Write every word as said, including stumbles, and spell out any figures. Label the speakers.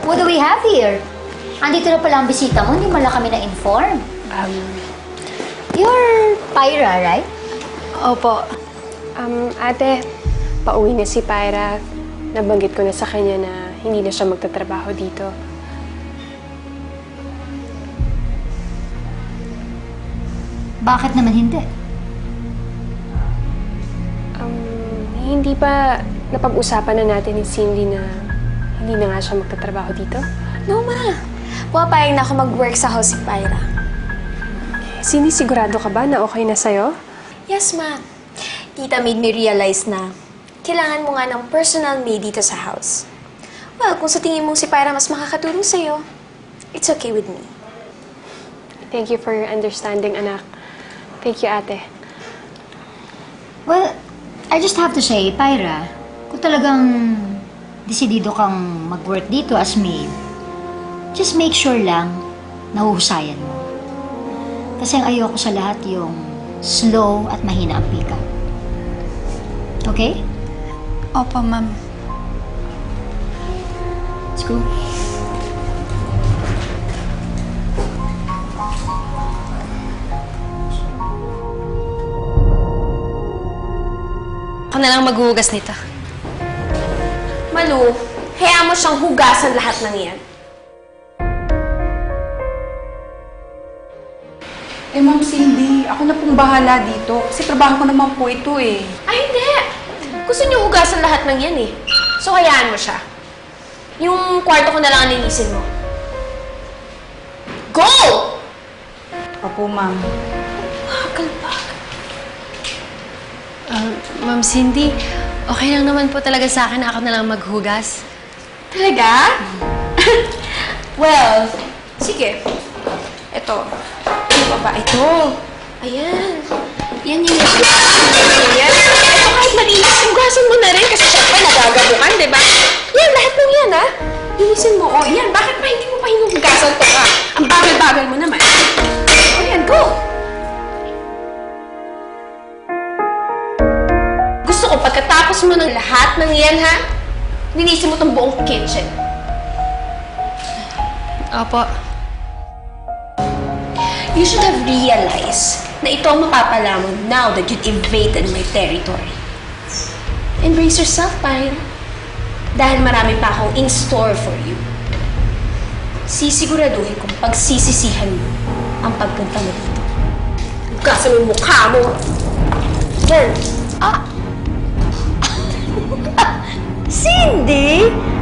Speaker 1: What do we have here? Andito na pala ang bisita mo, hindi mo lang kami na-inform.
Speaker 2: Um,
Speaker 1: You're Pyra, right?
Speaker 2: opo. Um, ate, pauwi na si Pyra. Nabanggit ko na sa kanya na hindi na siya magtatrabaho dito.
Speaker 1: Bakit naman hindi?
Speaker 2: Um, hindi pa napag-usapan na natin ni Cindy na hindi na nga siya magtatrabaho dito?
Speaker 3: No, ma. Pumapayag na ako mag-work sa house si Pyra.
Speaker 2: Cindy, sigurado ka ba na okay na sa'yo?
Speaker 3: Yes, ma. Tita made me realize na kailangan mo nga ng personal maid dito sa house. Well, kung sa tingin mong si Pyra mas makakatulong sa'yo, it's okay with me.
Speaker 2: Thank you for your understanding, anak. Thank you, ate.
Speaker 1: Well, I just have to say, Pyra, kung talagang desidido kang mag-work dito as maid, just make sure lang nahuhusayan mo. Kasi ang ayoko sa lahat yung slow at mahina ang pick-up. Okay?
Speaker 3: Opo, ma'am.
Speaker 1: Let's go.
Speaker 4: Ako na lang maghuhugas nito.
Speaker 3: Malu, hayaan mo siyang hugasan lahat ng yan.
Speaker 5: Eh, Ma'am Cindy, ako na pong bahala dito. Kasi trabaho ko naman po ito eh.
Speaker 3: Ay, hindi! Gusto niyo hugasan lahat ng yan eh. So, hayaan mo siya. Yung kwarto ko na lang ang linisin mo. Go!
Speaker 5: Opo, Ma'am.
Speaker 4: Uh, Ma'am Cindy, okay lang naman po talaga sa akin na ako na lang maghugas.
Speaker 3: Talaga? Well, sige. Ito. Ano pa ba? Ito. Ayan. Yan yung Ayan. Ito kahit malinis, hugasan mo na rin kasi syempre nagagabukan, di ba? Yan, lahat ng yan, ha? Linisin mo. O, yan. Bakit pa hindi mo pa hinuhugasan to, ha? Ang bagal-bagal mo naman. O, yan. Go! Gusto ko pagkatapos mo ng lahat ng yan, ha? Linisin mo tong buong kitchen.
Speaker 4: Opo.
Speaker 3: You should have realized na ito ang mapapala mo now that you've invaded my territory. Embrace yourself, Pyra. Dahil marami pa akong in store for you. Sisiguraduhin kong pagsisisihan mo ang pagpunta mo dito. Hugasan mo yung mukha mo. Yan.
Speaker 1: Cindy!